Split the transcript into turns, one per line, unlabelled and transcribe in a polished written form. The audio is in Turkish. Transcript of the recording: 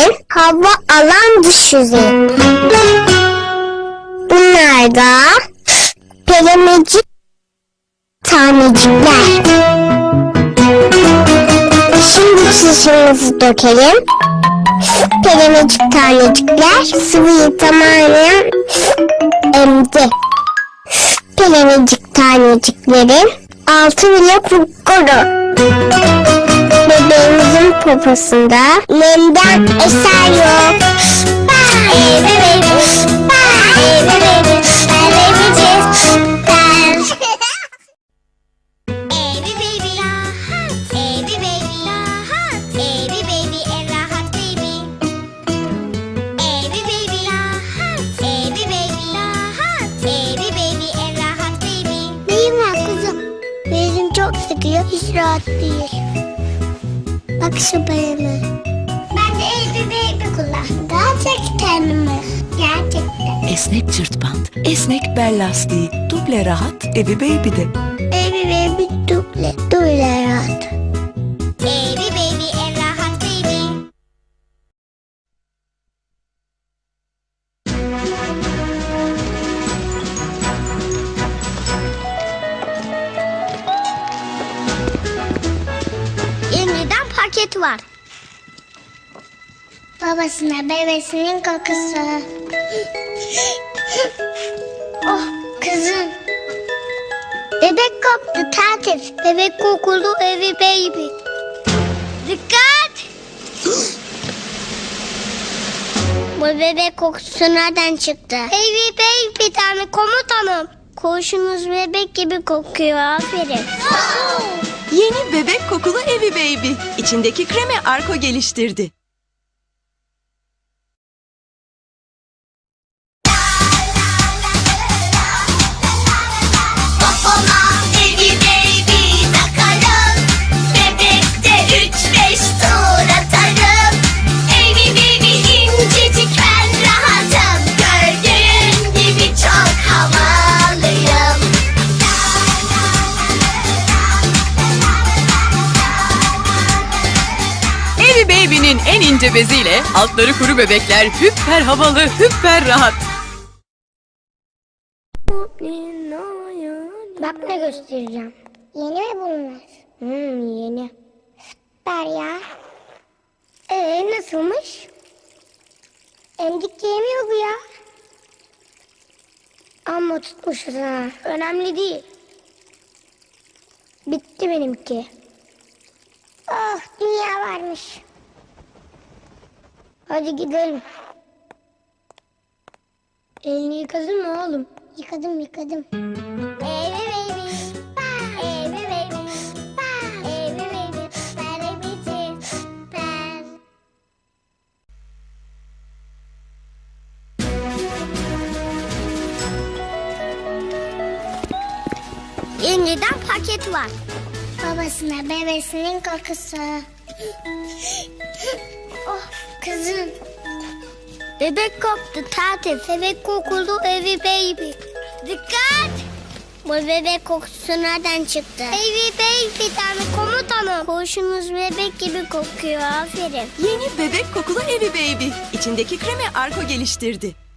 hava alan dış yüzeyi. Bunlar da pelemecik tanecikler. Şimdi çişimizi dökelim. Pelemecik tanecikler sıvıyı tamamen emdi. Pelemecik taneciklerin altı bile kupkuru. Bebeğimizin poposunda nemden eser yok. Çok sıkıyor, hiç rahat değil. Bak şu bayımı. Ben de baby kullandım. Gerçekten mi? Gerçekten.
Esnek cırt bant, esnek bel lastiği, duble rahat Evi Baby'de.
Baby duble rahat.
Baby en rahat baby. Yeniden paket var.
Babasına bebesinin kokusu. Oh kızım.
Bebek koptu tertip. Bebek kokulu Evi Baby. Dikkat! Bu bebek kokusu nereden çıktı? Evi Baby'den mi komutanım? Koğuşunuz bebek gibi kokuyor, aferin.
Yeni bebek kokulu Evi Baby. İçindeki kremi Arko geliştirdi. Baby'nin en ince beziyle altları kuru bebekler hüpper havalı, hüpper rahat.
Bak ne göstereceğim. Yeni mi bunlar? Yeni. Süper ya. Nasılmış? Emdik yemiyor bu ya. Amma tutmuşuz ha. Önemli değil. Bitti benimki. Oh, dünya varmış. Hadi gidelim. Elini yıkadın mı oğlum? Yıkadım.
Evi Baby. Evi Baby. Evi Baby. Baby süper. Yeniden paket var.
Babasına bebesinin kokusu. Oh kızım.
Bebek koptu tertip. Bebek kokulu Evi Baby. Dikkat! Bu bebek kokusu nereden çıktı? Evi Baby'den mi komutanım? Koğuşunuz bebek gibi kokuyor, aferin.
Yeni bebek kokulu Evi Baby. İçindeki kremi Arko geliştirdi.